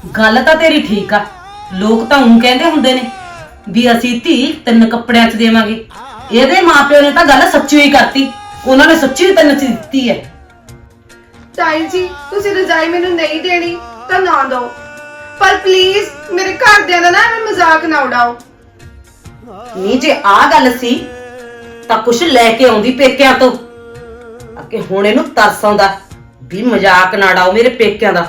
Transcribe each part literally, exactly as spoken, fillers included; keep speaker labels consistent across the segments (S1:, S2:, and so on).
S1: गल तां तेरी ठीक आ, लोग तां ऊं कहंदे हुंदे ने भी असीं धी तिन्न कपड़ियां च देवांगे। ਇਹਦੇ ਮਾਪਿਓ ਨੇ ਤਾਂ ਗੱਲ ਸੱਚੀ ਹੀ ਕਰਤੀ, ਉਹਨਾਂ ਨੇ ਸੱਚੀ ਤਿੰਨ ਚ ਦਿੱਤੀ ਹੈ।
S2: ਤਾਈ ਜੀ ਤੁਸੀਂ ਰਜਾਈ ਮੈਨੂੰ ਨਹੀਂ ਦੇਣੀ ਤਾਂ ਨਾ ਦਿਓ, ਪਰ ਪਲੀਜ਼ ਮੇਰੇ ਘਰਦਿਆਂ ਦਾ ਨਾ ਐਵੇਂ ਮਜ਼ਾਕ ਨਾ ਉਡਾਓ।
S1: ਨਹੀਂ ਜੇ ਆ ਗੱਲ ਸੀ ਤਾਂ ਕੁਛ ਲੈ ਕੇ ਆਉਂਦੀ ਪੇਕਿਆਂ ਤੋਂ, ਅੱਗੇ ਹੁਣ ਇਹਨੂੰ ਤਰਸ ਆਉਂਦਾ ਵੀ ਮਜ਼ਾਕ ਨਾ ਉਡਾਓ ਮੇਰੇ ਪੇਕਿਆਂ ਦਾ।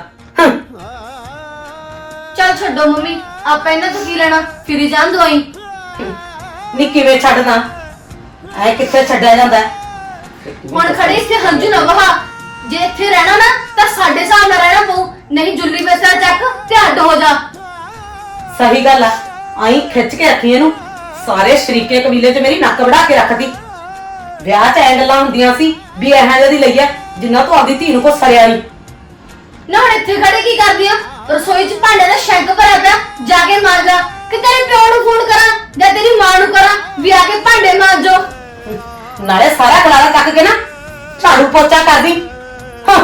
S3: ਚੱਲ ਛੱਡੋ ਮੰਮੀ, ਆਪਾਂ ਇਹਨਾਂ ਤੋਂ ਕੀ ਲੈਣਾ, ਫਿਰੀ ਜਾਣ ਦਵਾਈ।
S1: ਨੀ ਕਿਵੇਂ ਛੱਡਣਾ, ਐ ਕਿੱਥੇ ਛੱਡਿਆ ਜਾਂਦਾ?
S3: ਹੁਣ ਖੜੇ ਇੱਥੇ ਹੰਝੂ ਨਾ ਵਹਾ, ਜੇ ਇੱਥੇ ਰਹਿਣਾ ਨਾ ਤਾਂ ਸਾਡੇ ਹਿਸਾਬ ਨਾਲ ਰਹਿਣਾ ਪਊ, ਨਹੀਂ ਜੁੱਲੀ ਪੈਸਾ ਚੱਕ ਤੇ ਅੱਡ ਹੋ ਜਾ।
S1: ਸਹੀ ਗੱਲ ਆ, ਆਈ ਖਿੱਚ ਕੇ ਰੱਖੀ ਇਹਨੂੰ, ਸਾਰੇ ਸ਼ਰੀਕੇ ਕਬੀਲੇ 'ਚ ਮੇਰੀ ਨੱਕ ਵੜਾ ਕੇ ਰੱਖਦੀ। ਵਿਆਹ 'ਚ ਐ ਗੱਲਾਂ ਹੁੰਦੀਆਂ ਸੀ ਵੀ ਇਹੋ ਜਿਹੀ ਲਈ ਐ ਜਿੰਨਾ ਤੋਂ ਆਪਦੀ ਧੀ ਨੂੰ ਕੋ ਸਰਿਆ ਨਹੀਂ।
S3: ਨਾ ਹੁਣ ਇੱਥੇ ਖੜੇ ਕੀ ਕਰਦੀ ਆ? ਰਸੋਈ 'ਚ ਭਾਂਡੇ ਦਾ ਸ਼ੈਂਕ ਭਰਿਆ ਪਿਆ, ਜਾ ਕੇ ਮਾਂਜ ਲਾ, ਕਿ ਤੇਰੇ ਪਿਓ ਨੂੰ ਫੋਨ ਕਰਾਂ ਜਾਂ ਤੇਰੀ ਮਾਂ ਨੂੰ ਕਰਾਂ ਵੀ ਆ ਕੇ ਭਾਂਡੇ ਮਾਂਜੋ।
S1: ਨਾਲੇ ਸਾਰਾ ਖਲਾਰਾ ਚੱਕ ਕੇ ਨਾ ਝਾੜੂ ਪੋਚਾ ਕਰਦੀ। ਹਾਂ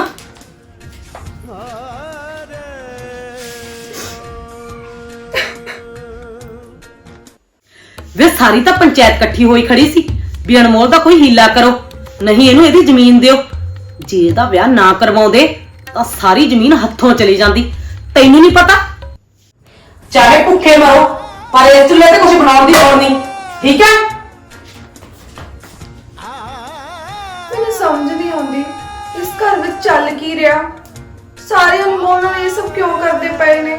S1: ਵੇ ਸਾਰੀ ਤਾਂ ਪੰਚਾਇਤ ਇਕੱਠੀ ਹੋਈ ਖੜੀ ਸੀ ਵੀ ਅਨਮੋਲ ਦਾ ਕੋਈ ਹੀਲਾ ਕਰੋ, ਨਹੀਂ ਇਹਨੂੰ ਇਹਦੀ ਜ਼ਮੀਨ ਦਿਓ। ਜੇ ਇਹਦਾ ਵਿਆਹ ਨਾ ਕਰਵਾਉਂਦੇ ਤਾਂ ਸਾਰੀ ਜ਼ਮੀਨ ਹੱਥੋਂ ਚਲੀ ਜਾਂਦੀ। ਤੈਨੂੰ ਨਹੀਂ ਪਤਾ, ਚਾਹੇ ਭੁੱਖੇ ਮਰੋ ਪਰ ਇਸ ਚੁੱਲ੍ਹੇ ਤੇ ਕੁਝ ਬਣਾਉਣ ਦੀ ਲੋੜ ਨਹੀਂ, ਠੀਕ ਹੈ?
S2: ਮੈਨੂੰ ਸਮਝ ਨਹੀਂ ਆਉਂਦੀ ਇਸ ਘਰ ਵਿੱਚ ਚੱਲ ਕੀ ਰਿਹਾ, ਸਾਰੇ ਅਨਮੋਲ ਨਾਲ ਇਹ ਸਭ ਕਿਉਂ ਕਰਦੇ ਪਏ ਨੇ।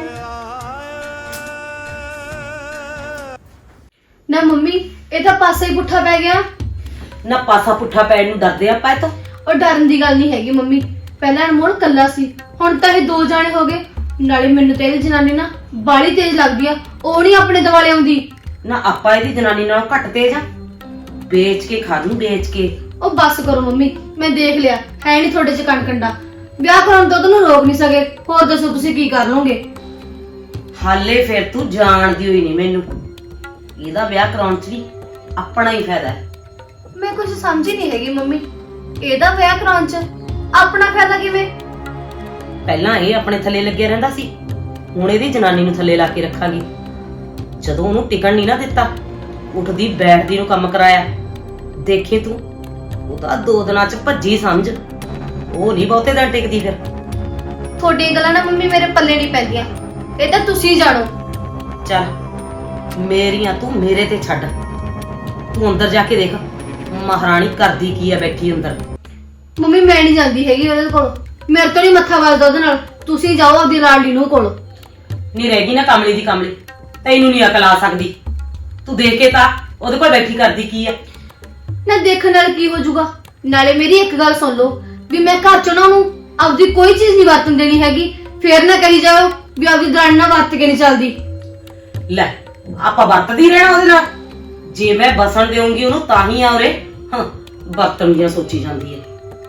S3: ਨਾ ਮੰਮੀ ਇਹ ਤਾਂ ਪਾਸਾ ਹੀ ਪੁੱਠਾ ਪੈ ਗਿਆ।
S1: ਨਾ ਪਾਸਾ ਪੁੱਠਾ ਪੈਣ ਨੂੰ ਡਰਦੇ ਆਪਾਂ ਇਹ ਤੋਂ।
S3: ਉਹ ਡਰਨ ਦੀ ਗੱਲ ਨਹੀਂ ਹੈਗੀ ਮੰਮੀ, ਪਹਿਲਾਂ ਅਨਮੋਲ ਕੱਲਾ ਸੀ, ਹੁਣ ਤਾਂ ਇਹ ਦੋ ਜਾਣੇ ਹੋ ਗਏ। ਨਾਲੇ ਮੈਨੂੰ ਤੇ ਇਹਦੀ ਜਨਾਨੀ ਨਾ ਬਾਲੀ ਤੇਜ਼ ਲੱਗਦੀ ਆ, ਉਹ ਨਹੀਂ ਆਪਣੇ ਦੁਆਲੇ ਆਉਂਦੀ।
S1: ਨਾ ਆਪਾਂ ਇਹਦੀ ਜਨਾਨੀ ਨਾਲੋਂ ਘੱਟ ਤੇਜ਼ ਆ, ਵੇਚ ਕੇ ਖਾ ਨੂੰ ਵੇਚ ਕੇ।
S3: ਉਹ ਬੱਸ ਕਰੋ ਮੰਮੀ, ਮੈਂ ਦੇਖ ਲਿਆ ਹੈ ਨਹੀਂ ਤੁਹਾਡੇ ਚ ਕਣਕੰਡਾ। ਵਿਆਹ ਕਰਾਉਣ ਤੋਂ ਤੁਹਾਨੂੰ ਰੋਕ ਨਹੀਂ ਸਕੇ, ਹੋਰ ਦੱਸੋ ਤੁਸੀਂ ਕੀ ਕਰ ਲਓਗੇ?
S1: ਹਾਲੇ ਫਿਰ ਤੂੰ ਜਾਣਦੀ ਹੋਈ ਨਹੀਂ ਮੈਨੂੰ, ਇਹਦਾ ਵਿਆਹ ਕਰਾਉਣ ਚ ਵੀ ਆਪਣਾ ਹੀ ਫਾਇਦਾ ਹੈ।
S3: ਮੈਂ ਕੁਝ ਸਮਝੀ ਨਹੀਂ ਹੈਗੀ ਮੰਮੀ, ਇਹਦਾ ਵਿਆਹ ਕਰਾਉਣ ਚ ਆਪਣਾ ਫਾਇਦਾ ਕਿਵੇਂ?
S1: ਪਹਿਲਾਂ ਇਹ ਆਪਣੇ ਥੱਲੇ ਲੱਗਿਆ ਰਹਿੰਦਾ ਸੀ, ਹੁਣ ਇਹਦੀ ਜਨਾਨੀ ਨੂੰ ਥੱਲੇ ਲਾ ਕੇ ਰੱਖਾਂਗੀ। ਜਦੋਂ ਉਹਨੂੰ ਟਿਕਣ ਨਹੀਂ ਨਾ ਦਿੱਤਾ, ਉੱਠਦੀ ਬੈਠਦੀ ਨੂੰ ਕੰਮ ਕਰਾਇਆ, ਦੇਖੀ ਤੂੰ ਉਹਦਾ ਦੋ ਦਿਨਾਂ ਚ ਭੱਜੀ ਸਮਝ, ਉਹ ਨਹੀਂ ਬਹੁਤੇ ਦਿਨ ਟਿਕਦੀ। ਫਿਰ
S3: ਤੁਹਾਡੀਆਂ ਗੱਲਾਂ ਨਾ ਮੰਮੀ ਮੇਰੇ ਪੱਲੇ ਨਹੀਂ ਪੈਂਦੀਆਂ, ਇਹ ਤਾਂ ਤੁਸੀਂ ਜਾਣੋ।
S1: ਚੱਲ ਮੇਰੀਆਂ ਤੂੰ ਮੇਰੇ ਤੇ ਛੱਡ, ਤੂੰ ਅੰਦਰ ਜਾ ਕੇ ਦੇਖ ਮਹਾਰਾਣੀ ਕਰਦੀ ਕੀ ਆ ਬੈਠੀ ਅੰਦਰ।
S3: ਮੰਮੀ ਮੈਂ ਨਹੀਂ ਜਾਂਦੀ ਹੈਗੀ ਉਹਦੇ ਕੋਲ, ਮੇਰੇ ਤੋਂ ਨਹੀਂ ਮੱਥਾ ਵੱਜਦਾ ਉਹਦੇ ਨਾਲ, ਤੁਸੀਂ ਜਾਓ ਆਪਦੀ ਲਾਡਲੀ ਨੂੰ ਕੋਲ।
S1: ਨਹੀਂ ਰਹਿ ਗਈ ਨਾ ਕਮਲੀ ਦੀ ਕਮਲੀ, ਤੈਨੂੰ ਨਹੀਂ ਅਕਲ ਆ ਸਕਦੀ। ਤੂੰ ਦੇਖ ਕੇ ਤਾਂ ਉਹਦੇ ਕੋਲ ਬੈਠੀ ਕਰਦੀ ਕੀ ਆ।
S3: ਨਾ ਦੇਖਣ ਨਾਲ ਕੀ ਹੋ ਜਾਊਗਾ? ਨਾਲੇ ਮੇਰੀ ਇੱਕ ਗੱਲ ਸੁਣ ਲਓ ਵੀ ਮੈਂ ਘਰ ਚੋਂ ਨਾ ਉਹਨੂੰ ਆਪਦੀ ਕੋਈ ਚੀਜ਼ ਨਹੀਂ ਵਰਤਣ ਦੇਣੀ ਹੈਗੀ, ਫੇਰ ਨਾ ਕਹੀ ਜਾਓ ਵੀ ਆਪਦੀ ਦਰਾਣੀ ਨਾਲ ਵਰਤ ਕੇ ਨਹੀਂ ਚੱਲਦੀ।
S1: ਲੈ ਆਪਾਂ ਵਰਤਦੀ ਰਹਿਣਾ ਉਹਦੇ ਨਾਲ, ਜੇ ਮੈਂ ਬਸਣ ਦੇਉਂਗੀ ਉਹਨੂੰ ਤਾਂ ਹੀ ਆ ਉਰੇ। ਹਾਂ ਵਰਤਣ ਦੀਆਂ ਸੋਚੀ ਜਾਂਦੀ ਹੈ।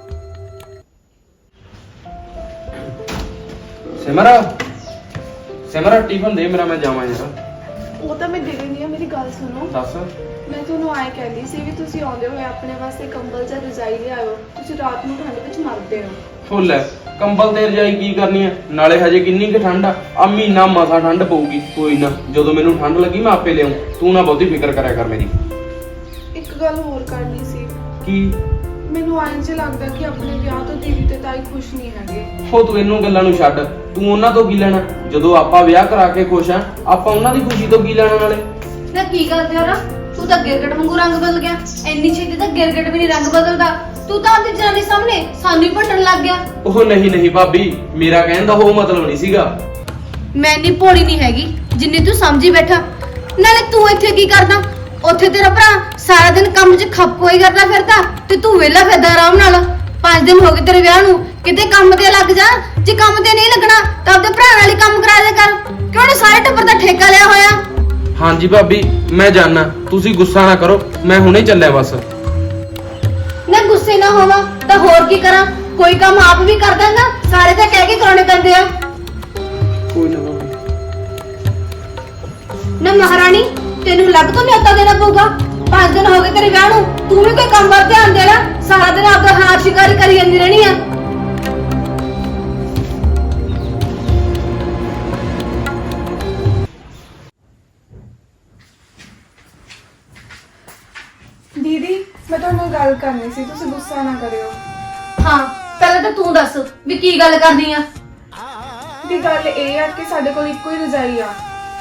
S4: ਸਿਮਰਾ ਸਿਮਰਾ ਟਿਫਨ ਦੇ ਮੇਰਾ, ਮੈਂ ਜਾਵਾਂ ਯਾਰ।
S2: ਉਹ ਤਾਂ ਮੈਂ ਦੇ ਦਿੰਦੀ ਆ, ਮੇਰੀ ਗੱਲ ਸੁਣੋ।
S4: ਦੱਸ।
S2: ਮੈਂ ਤੁਹਾਨੂੰ ਆਏ ਕਹਿੰਦੀ ਸੀ ਵੀ ਤੁਸੀਂ ਆਉਂਦੇ ਹੋਏ ਆਪਣੇ ਵਾਸਤੇ ਕੰਬਲ ਜਾਂ ਰਜ਼ਾਈ ਲਿਆਇਓ, ਤੁਸੀਂ ਰਾਤ ਨੂੰ ਠੰਡ ਵਿੱਚ ਮਰਦੇ ਹੋ।
S4: ਫੁੱਲ ਹੈ ਕੰਬਲ ਤੇ ਰਜਾਈ ਕੀ ਕਰਨੀ ਹੈ, ਨਾਲੇ ਹਜੇ ਕਿੰਨੀ ਕੁ ਠੰਡ ਆ, ਆ ਮਹੀਨਾ ਮਸਾ ਠੰਡ ਪਊਗੀ। ਕੋਈ ਨਾ ਜਦੋਂ ਮੈਨੂੰ ਠੰਡ ਲੱਗੀ ਮੈਂ ਆਪੇ ਲਿਆਉਂ, ਤੂੰ ਨਾ ਬਹੁਤੀ ਫਿਕਰ ਕਰਿਆ ਕਰ ਮੇਰੀ।
S2: ਇੱਕ ਗੱਲ ਹੋਰ ਕਰਨੀ ਸੀ।
S4: ਕੀ?
S2: ਮੈਨੂੰ ਇੰਜ ਲੱਗਦਾ ਕਿ ਆਪਣੇ ਵਿਆਹ ਤੋਂ ਦੀਦੀ ਤੇ ਤਾਈ ਖੁਸ਼ ਨਹੀਂ ਹੈਗੇ।
S4: ਹੋ ਤੂੰ ਇਹਨੂੰ ਗੱਲਾਂ ਨੂੰ ਛੱਡ, ਤੂੰ ਉਹਨਾਂ ਤੋਂ ਕੀ ਲੈਣਾ? ਜਦੋਂ ਆਪਾਂ ਵਿਆਹ ਕਰਾ ਕੇ ਖੁਸ਼ ਆ, ਆਪਾਂ ਉਹਨਾਂ ਦੀ ਖੁਸ਼ੀ ਤੋਂ ਕੀ ਲੈਣਾ? ਨਾਲੇ
S3: ਨਾ ਕੀ ਕਰਦੇ ਹੋ ਨਾ, ਤੂੰ ਤਾਂ ਗਿਰਗਟ ਵਾਂਗੂ ਰੰਗ ਬਦਲ ਗਿਆ, ਇੰਨੀ ਛੇਤੀ ਤਾਂ ਗਿਰਗਟ ਵੀ ਨਹੀਂ ਰੰਗ ਬਦਲਦਾ। ਤੂੰ ਤਾਂ ਆਪਣੀ ਜਨਾਨੀ ਸਾਹਮਣੇ ਸਾਨੂੰ ਹੀ ਭੱਟਣ ਲੱਗ ਗਿਆ।
S4: ਉਹ ਨਹੀਂ ਨਹੀਂ ਭਾਬੀ, ਮੇਰਾ ਕਹਿਣ ਦਾ ਉਹ ਮਤਲਬ ਨਹੀਂ ਸੀਗਾ।
S3: ਮੈਂ ਇੰਨੀ ਭੋਲੀ ਨਹੀਂ ਹੈਗੀ ਜਿੰਨੀ ਤੂੰ ਸਮਝੀ ਬੈਠਾ। ਨਾਲੇ ਤੂੰ ਇੱਥੇ ਕੀ ਕਰਦਾ? ਉੱਥੇ ਤੇਰਾ ਭਰਾ ਸਾਰਾ ਦਿਨ ਕੰਮ 'ਚ ਖੱਪ ਹੋਈ ਕਰਦਾ ਫਿਰਦਾ ਤੇ ਤੂੰ ਵਿਹਲਾ ਫਿਰਦਾ ਆਰਾਮ ਨਾਲ। ਪੰਜ ਦਿਨ ਹੋ ਗਏ ਤੇਰੇ ਵਿਆਹ ਨੂੰ, ਕਿਤੇ ਕੰਮ ਤੇ ਲੱਗ ਜਾ। ਜੇ ਕੰਮ ਤੇ ਨਹੀਂ ਲੱਗਣਾ ਤਾਂ ਆਪਣੇ ਭਰਾ ਨਾਲ ਹੀ ਕੰਮ ਕਰਾ ਦਿਆ ਕਰ, ਕਿਉਂ ਨੀ ਸਾਰੇ ਟੱਬਰ ਦਾ ਠੇਕਾ ਲਿਆ ਹੋਇਆ?
S4: ਹਾਂਜੀ ਭਾਬੀ ਮੈਂ ਜਾਣਾ, ਤੁਸੀਂ ਗੁੱਸਾ ਨਾ ਕਰੋ, ਮੈਂ ਹੁਣੇ ਚੱਲਿਆ ਬਸ।
S3: ਨਾ ਗੁੱਸੇ ਨਾ ਹੋਵਾਂ ਤਾਂ ਹੋਰ ਕੀ ਕਰਾਂ? ਕੋਈ ਕੰਮ ਆਪ ਵੀ ਕਰਦਾ ਨਾ, ਸਾਰੇ ਤਾਂ ਕਹਿ ਕੇ ਕਰਾਉਣੇ ਪੈਂਦੇ ਆ।
S4: ਕੋਈ ਨਾ ਭਾਬੀ।
S3: ਨਾ ਮਹਾਰਾਣੀ ਤੈਨੂੰ ਲੱਗ ਤੋਂ ਨਿਯਤਾ ਦੇਣਾ ਪਊਗਾ। ਪੰਜ ਦਿਨ ਹੋ ਗਏ ਤੇਰੇ ਵਿਆਹ ਨੂੰ, ਤੂੰ ਵੀ ਕੋਈ ਕੰਮ ਵੱਲ ਧਿਆਨ ਦੇਣਾ, ਸਾਰਾ ਦਿਨ ਆਪਦਾ ਹਾਰ ਸ਼ਿਕਾਰੀ ਕਰੀ ਜਾਂਦੀ ਰਹਿਣੀ ਆ।
S2: ਗੱਲ ਕਰਨੀ ਸੀ, ਤੁਸੀਂ ਗੁੱਸਾ ਨਾ ਕਰਿਓ।
S3: ਹਾਂ ਪਹਿਲਾਂ ਤਾਂ ਤੂੰ ਦੱਸ ਵੀ ਕੀ ਗੱਲ ਕਰਨੀ ਆ।
S2: ਦੀ ਗੱਲ ਇਹ ਆ ਕਿ ਸਾਡੇ ਕੋਲ ਇੱਕੋ ਹੀ ਰਜਾਈ ਆ।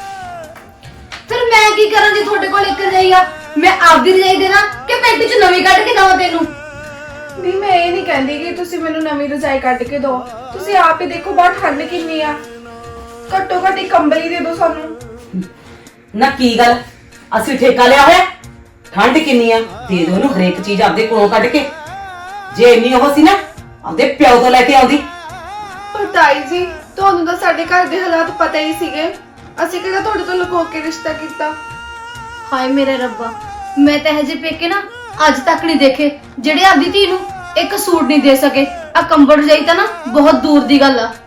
S3: ਫਿਰ ਮੈਂ ਕੀ ਕਰਾਂ ਜੇ ਤੁਹਾਡੇ ਕੋਲ ਇੱਕ ਰਜਾਈ ਆ? ਮੈਂ ਆਪਦੀ ਰਜਾਈ ਦੇਣਾ ਕਿ ਪਿੰਡ 'ਚ ਨਵੀਂ ਕੱਢ ਕੇ ਦਵਾਂ ਤੈਨੂੰ?
S2: ਦੀ ਮੈਂ ਇਹ ਨਹੀਂ ਕਹਿੰਦੀ ਕਿ ਤੁਸੀਂ ਮੈਨੂੰ ਨਵੀਂ ਰਜਾਈ ਕੱਢ ਕੇ ਦਿਓ। ਤੁਸੀਂ ਆਪ ਹੀ ਦੇਖੋ ਬਾਹਰ ਠੰਡ ਕਿੰਨੀ ਆ। ਘੱਟੋ ਘੱਟ ਇੱਕ ਕੰਬਲ ਹੀ ਦੇ ਦਿਓ ਸਾਨੂੰ।
S1: ਨਾ ਕੀ ਗੱਲ, ਅਸੀਂ ਠੇਕਾ ਲਿਆ ਹੋਇਆ? ਠੰਡ ਕਿੰਨੀ ਆ, ਦੇ ਦੋ ਇਹਨੂੰ ਹਰੇਕ ਚੀਜ਼ ਆਪਦੇ ਕੋਲੋਂ ਕੱਢ ਕੇ। ਜੇ ਇੰਨੀ ਉਹ ਸੀ ਨਾ ਆਪਦੇ ਪਿਓ ਤੋਂ ਲੈ ਕੇ ਆਉਂਦੀ।
S2: ਪਰ ਤਾਈ ਜੀ, ਤੁਹਾਨੂੰ ਤਾਂ ਸਾਡੇ ਘਰ ਦੇ ਹਾਲਾਤ ਪਤਾ ਹੀ ਸੀਗੇ। ਅਸੀਂ ਕਿਹੜਾ ਤੁਹਾਡੇ ਤੋਂ ਲੁਕੋ ਕੇ ਰਿਸ਼ਤਾ ਕੀਤਾ।
S3: ਹਾਏ ਮੇਰੇ ਰੱਬਾ, ਮੈਂ ਤਾਂ ਹਜੇ ਪੇਕੇ ਨਾ ਅੱਜ ਤੱਕ ਨਹੀਂ ਦੇਖੇ ਜਿਹੜੇ ਆਪਦੀ ਧੀ ਨੂੰ ਇੱਕ ਸੂਟ ਨਹੀਂ ਦੇ ਸਕੇ। ਆ ਕੰਬਲ ਰਜਾਈ ਤਾਂ ਨਾ ਬਹੁਤ ਦੂਰ ਦੀ ਗੱਲ ਆ।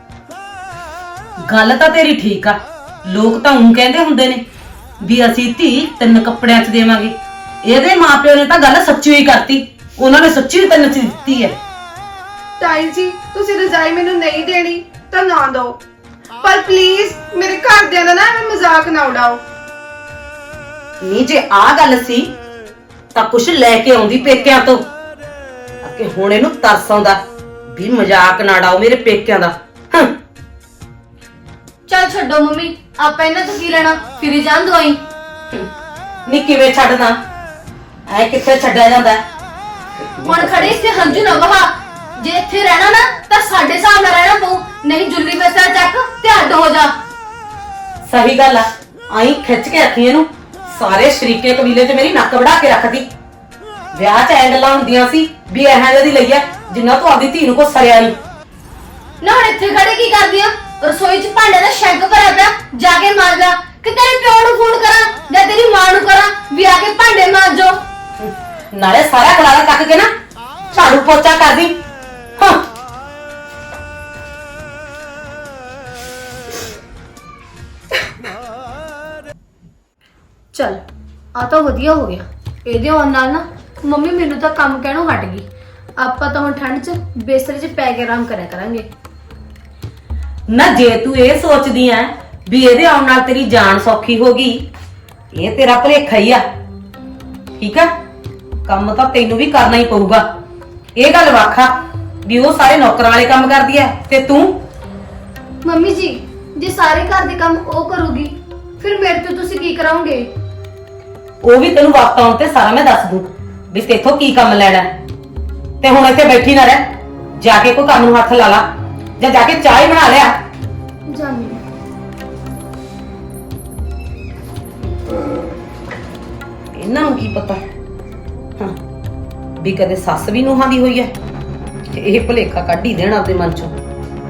S1: ਗੱਲ ਤਾਂ ਤੇਰੀ ਠੀਕ ਆ, ਲੋਕ ਤਾਂ ਉਹ ਕਹਿੰਦੇ ਹੁੰਦੇ ਨੇ ਵੀ ਅਸੀਂ ਧੀ ਤਿੰਨ ਕੱਪੜਿਆਂ 'ਚ ਦੇਵਾਂਗੇ। ਇਹਦੇ ਮਾਪਿਓ ਨੇ ਤਾਂ ਗੱਲ ਸੱਚੀ ਹੀ ਕਰਤੀ, ਉਹਨਾਂ ਨੇ ਸੱਚੀ ਤਿੰਨ 'ਚ ਦਿੱਤੀ ਹੈ।
S2: ਤਾਈ ਜੀ, ਤੁਸੀਂ ਰਜਾਈ ਮੈਨੂੰ ਨਹੀਂ ਦੇਣੀ ਤਾਂ ਨਾ ਦਿਓ, ਪਰ ਪਲੀਜ਼ ਮੇਰੇ ਘਰਦਿਆਂ ਦਾ ਨਾ ਐਵੇਂ ਮਜ਼ਾਕ ਨਾ ਉਡਾਓ।
S1: ਨਹੀਂ ਜੇ ਆ ਗੱਲ ਸੀ ਤਾਂ ਕੁਛ ਲੈ ਕੇ ਆਉਂਦੀ ਪੇਕਿਆਂ ਤੋਂ। ਅੱਗੇ ਹੁਣ ਇਹਨੂੰ ਤਰਸ ਆਉਂਦਾ ਵੀ ਮਜ਼ਾਕ ਨਾ ਡਾਓ ਮੇਰੇ ਪੇਕਿਆਂ ਦਾ। ਹੰ।
S3: ਚੱਲ ਛੱਡੋ ਮੰਮੀ, ਆਪਾਂ ਇਹਨਾਂ ਤੋਂ ਕੀ ਲੈਣਾ, ਫਿਰੀ ਜਾਣ ਦਵਾਈ।
S1: ਨੀ ਕਿਵੇਂ ਛੱਡਦਾ, ਐ ਕਿੱਥੇ ਛੱਡਿਆ ਜਾਂਦਾ?
S3: ਹੁਣ ਖੜੇ ਇੱਥੇ ਹੰਝੂ ਨਾ ਵਹਾ। ਜੇ ਇੱਥੇ ਰਹਿਣਾ ਨਾ ਤਾਂ ਸਾਡੇ ਹਿਸਾਬ ਨਾਲ ਰਹਿਣਾ ਪਊ, ਨਹੀਂ ਜੁੱਲੀ ਬਸਾ ਚੱਕ ਤੇ ਅੱਡ ਹੋ ਜਾ।
S1: ਸਹੀ ਗੱਲ ਆ, ਆਈ ਖਿੱਚ ਕੇ ਰੱਖੀ ਇਹਨੂੰ। ਸਾਰੇ ਸ਼ਰੀਕੇ ਕਬੀਲੇ 'ਚ ਮੇਰੀ ਨੱਕ ਵੜਾ ਕੇ ਰੱਖਦੀ। ਵਿਆਹ 'ਚ ਐ ਗੱਲਾਂ ਹੁੰਦੀਆਂ ਸੀ ਵੀ ਇਹੋ ਜਿਹੀ ਲਈ ਆ ਜਿੰਨਾ ਤੋਂ ਆਪਦੀ ਧੀ ਨੂੰ ਕੋ ਸਰਿਆ ਨਹੀਂ।
S3: ਨਾ ਹੁਣ ਇੱਥੇ ਖੜੇ ਕੀ ਕਰਦੀ ਆ? ਰਸੋਈ 'ਚ ਭਾਂਡੇ ਦਾ ਸ਼ੈਂਕ ਭਰਿਆ ਪਿਆ, ਜਾ ਕੇ ਮਾਂਜ ਲਾ। ਕਿ ਤੇਰੇ ਪਿਓ ਨੂੰ ਫੋਨ ਕਰਾਂ ਜਾਂ ਤੇਰੀ ਮਾਂ ਨੂੰ ਕਰਾਂ ਵੀ ਆ ਕੇ ਭਾਂਡੇ ਮਾਂਜੋ?
S1: ਨਾਲੇ ਸਾਰਾ ਖਲਾਰਾ ਚੱਕ ਕੇ ਨਾ ਝਾੜੂ ਪੋਚਾ ਕਰਦੀ। ਹਾਂ
S3: ਚੱਲ ਆ ਤਾਂ ਵਧੀਆ ਹੋ ਗਿਆ। ਇਹਦੇ ਆਉਣ ਨਾਲ ਨਾ ਮੰਮੀ ਮੈਨੂੰ ਤਾਂ ਕੰਮ ਕਹਿਣੋਂ ਹਟ ਗਈ। ਆਪਾਂ ਤਾਂ ਹੁਣ ਠੰਡ 'ਚ ਬਿਸਤਰੇ 'ਚ ਪੈ ਕੇ ਆਰਾਮ ਕਰਿਆ ਕਰਾਂਗੇ।
S1: ਨਾ ਜੇ ਤੂੰ ਇਹ ਸੋਚਦੀ ਐ ਵੀ ਇਹਦੇ ਆਉਣ ਨਾਲ ਤੇਰੀ ਜਾਨ ਸੌਖੀ ਹੋ ਗਈ, ਇਹ ਤੇਰਾ ਭੁਲੇਖਾ ਹੀ ਆ। ਠੀਕ ਆ, ਕੰਮ ਤਾਂ ਤੈਨੂੰ ਵੀ ਕਰਨਾ ਹੀ ਪਊਗਾ। ਇਹ ਗੱਲ ਵਾਖਾ ਵੀ ਉਹ ਸਾਰੇ ਨੌਕਰਾਂ ਵਾਲੇ ਕੰਮ ਕਰਦੀ ਐ ਤੇ ਤੂੰ।
S3: ਮੰਮੀ ਜੀ, ਜੇ ਸਾਰੇ ਘਰ ਦੇ ਕੰਮ ਉਹ ਕਰੂਗੀ ਫਿਰ ਮੇਰੇ ਤੋਂ ਤੁਸੀਂ ਕੀ ਕਰਾਓਗੇ?
S1: ਉਹ ਵੀ ਤੈਨੂੰ ਵਕਤ ਆਉਣ ਤੇ ਸਾਰਾ ਮੈਂ ਦੱਸ ਦੂੰ ਵੀ ਤੇਥੋਂ ਕੀ ਕੰਮ ਲੈਣਾ ਹੈ। ਤੇ ਹੁਣ ਇੱਥੇ ਬੈਠੀ ਨਾ ਰਹਿ, ਜਾ ਕੇ ਕੋਈ ਕੰਮ ਨੂੰ ਹੱਥ ਲਾ ਲਾ ਜਾਂ ਜਾ ਕੇ ਚਾਹ ਹੀ ਬਣਾ ਲਿਆ।
S3: ਜਾਨੀ
S1: ਇਹਨਾਂ ਨੂੰ ਕੀ ਪਤਾ ਹਾਂ ਵੀ ਕਦੇ ਸੱਸ ਵੀ ਨੂੰਹਾਂ ਦੀ ਹੋਈ ਹੈ। ਤੇ ਇਹ ਭੁਲੇਖਾ ਕੱਢ ਹੀ ਦੇਣਾ ਆਪਣੇ ਮਨ ਚੋਂ।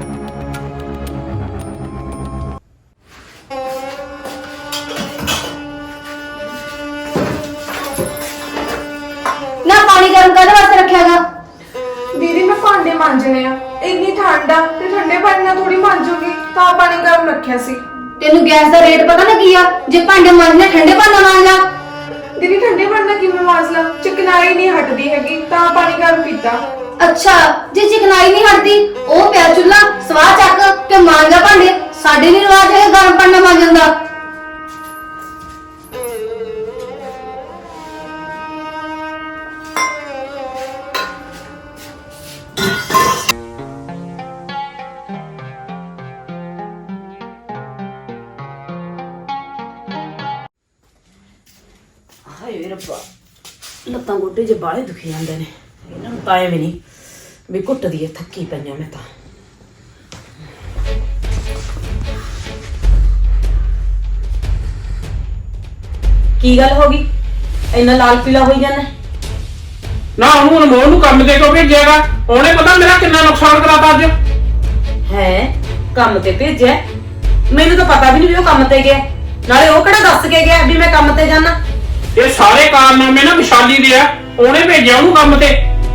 S3: ਨਾ ਪਾਣੀ ਗਰਮ ਕਾਹਦੇ ਵਾਸਤੇ ਰੱਖਿਆਗਾ?
S2: ਦੀਦੀ ਮੈਂ ਭਾਂਡੇ ਮਾਂਜਣੇ ਆ, ਇੰਨੀ ਠੰਡ ਆ ਤੇ ਠੰਡੇ ਪਾਣੀ ਨਾਲ ਥੋੜੀ ਮਾਂਜੂਗੀ, ਤਾਂ ਪਾਣੀ ਗਰਮ ਰੱਖਿਆ ਸੀ।
S3: ਤੈਨੂੰ ਗੈਸ ਦਾ ਰੇਟ ਪਤਾ ਨਾ ਕੀ ਆ? ਜੇ ਭਾਂਡੇ ਮਾਂਜਣੇ ਠੰਡੇ ਪਾਣੀ ਨਾਲ ਮਾਂਜ ਲਾ।
S2: ਦੀਦੀ ਠੰਡੇ ਪਾਣੀ ਨਾਲ ਕਿਵੇਂ ਮਾਂਜ ਲਾਂ? ਚਿਕਨਾਈ ਨਹੀਂ ਹਟਦੀ ਹੈਗੀ, ਤਾਂ ਪਾਣੀ ਗਰਮ ਪੀਤਾ।
S3: ਅੱਛਾ, ਜੇ ਚਿਕਨਾਈ ਨਹੀਂ ਹਟਦੀ, ਉਹ ਪਿਆ ਚੁੱਲਾ ਸਵਾਹ ਚੱਕ ਤੇ ਮਾਂਜ ਲਾ ਭਾਂਡੇ। ਸਾਡੇ ਨਹੀਂ ਰਿਵਾਜ ਹੈ ਗਰਮ ਪਾਣੀ ਨਾਲ ਮਾਂਜਣ ਦਾ।
S1: ਹਾਏ ਰੱਬਾ, ਲੱਤਾਂ ਗੋਡੇ ਜੇ ਬਾਹਲੇ ਦੁਖੀ ਜਾਂਦੇ ਨੇ। ਇਹਨਾਂ ਨੂੰ ਤਾਂ ਐਵੇਂ ਨਹੀਂ ਵੀ ਘੁੱਟਦੀ ਐ, ਥੱਕੀ ਪਈਆਂ ਮੈਂ ਤਾਂ। ਕੀ ਗੱਲ ਹੋ ਗਈ, ਇੰਨਾ ਲਾਲ ਪੀਲਾ ਹੋਈ ਜਾਂਦਾ?
S4: ਨਾ ਉਹਨੂੰ ਅਨਮੋਲ ਨੂੰ ਕੰਮ ਤੇ ਕਿਉਂ ਭੇਜਿਆਗਾ? ਉਹਨੇ ਪਤਾ ਮੇਰਾ ਕਿੰਨਾ ਨੁਕਸਾਨ ਕਰਾਤਾ ਅੱਜ।
S1: ਹੈ ਕੰਮ ਤੇ ਭੇਜਿਆ? ਮੈਨੂੰ ਤਾਂ ਪਤਾ ਵੀ ਨਹੀਂ ਵੀ ਉਹ ਕੰਮ ਤੇ ਗਿਆ। ਨਾਲੇ ਉਹ ਕਿਹੜਾ ਦੱਸ ਕੇ ਗਿਆ ਵੀ ਮੈਂ ਕੰਮ ਤੇ ਜਾਣਾ?
S4: ਇਹ ਸਾਰੇ ਕਾਰਨਾਮੇ ਨਾ ਵਿਸ਼ਾਲੀ ਦੇ ਆ, ਉਹਨੇ ਭੇਜਿਆ ਉਹਨੂੰ ਕੰਮ ਤੇ।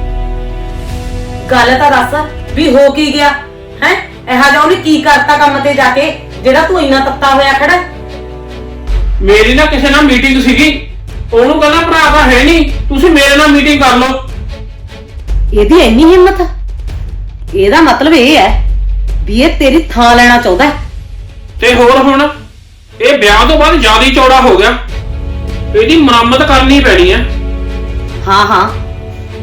S1: ਗੱਲ ਤਾਂ ਦੱਸ ਵੀ ਹੋ ਕੀ ਗਿਆ ਹੈ? ਇਹੋ ਜਿਹਾ ਉਹਨੇ ਕੀ ਕਰਤਾ ਕੰਮ ਤੇ ਜਾ ਕੇ ਜਿਹੜਾ ਤੂੰ ਇੰਨਾ ਤੱਤਾ ਹੋਇਆ ਖੜਾ?
S4: ਮੇਰੀ ਨਾ ਕਿਸੇ ਨਾਲ ਮੀਟਿੰਗ ਸੀਗੀ, ਉਹਨੂੰ ਕਹਿੰਦਾ ਭਰਾ ਤਾਂ ਹੈ ਨਹੀਂ, ਤੁਸੀਂ ਮੇਰੇ ਨਾਲ ਮੀਟਿੰਗ ਕਰ ਲਓ।
S1: ਇਹਦੀ ਇੰਨੀ ਹਿੰਮਤ? ਇਹਦਾ ਮਤਲਬ ਇਹ ਹੈ ਵੀ ਇਹ ਤੇਰੀ ਥਾਂ ਲੈਣਾ ਚਾਹੁੰਦਾ ਹੈ।
S4: ਤੇ ਹੋਰ ਹੁਣ ਇਹ ਵਿਆਹ ਤੋਂ ਬਾਅਦ ਜ਼ਿਆਦਾ ਹੀ ਚੌੜਾ ਹੋ ਗਿਆ, ਇਹਦੀ ਮੁਰੰਮਤ ਕਰਨੀ ਪੈਣੀ ਹੈ।
S1: ਹਾਂ ਹਾਂ,